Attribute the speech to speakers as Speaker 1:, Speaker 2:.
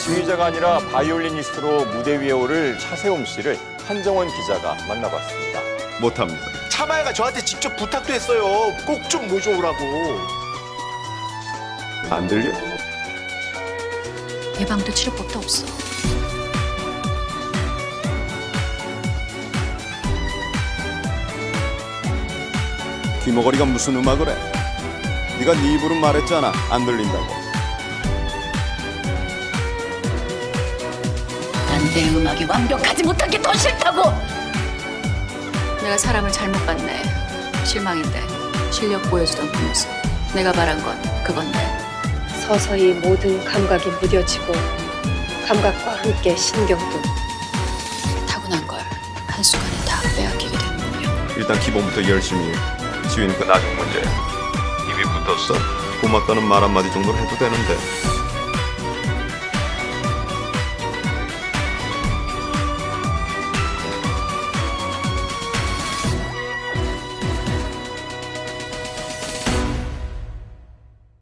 Speaker 1: 지휘자가 아니라 바이올리니스트로 무대 위에 오를 차세움 씨를 한정원 기자가 만나봤습니다.
Speaker 2: 못합니다.
Speaker 3: 차마야가 저한테 직접 부탁도 했어요. 꼭 좀 모셔오라고.
Speaker 2: 안 들려?
Speaker 4: 예방도 치료법도 없어.
Speaker 2: 귀머거리가 무슨 음악을 해? 네가 네 입으로 말했잖아. 안 들린다고.
Speaker 4: 난 내 음악이 완벽하지 못한 게 더 싫다고. 내가 사람을 잘못 봤네. 실망인데 실력 보여주던 그 모습. 내가 바란 건 그건데.
Speaker 5: 서서히 모든 감각이 무뎌지고 감각과 함께 신경도.
Speaker 4: 타고난 걸 한순간에 다 빼앗기게 되는군요.
Speaker 2: 일단 기본부터 열심히 해. 지휘는 그 나중 문제야. 입이 붙었어. 고맙다는 말 한마디 정도는 해도 되는데.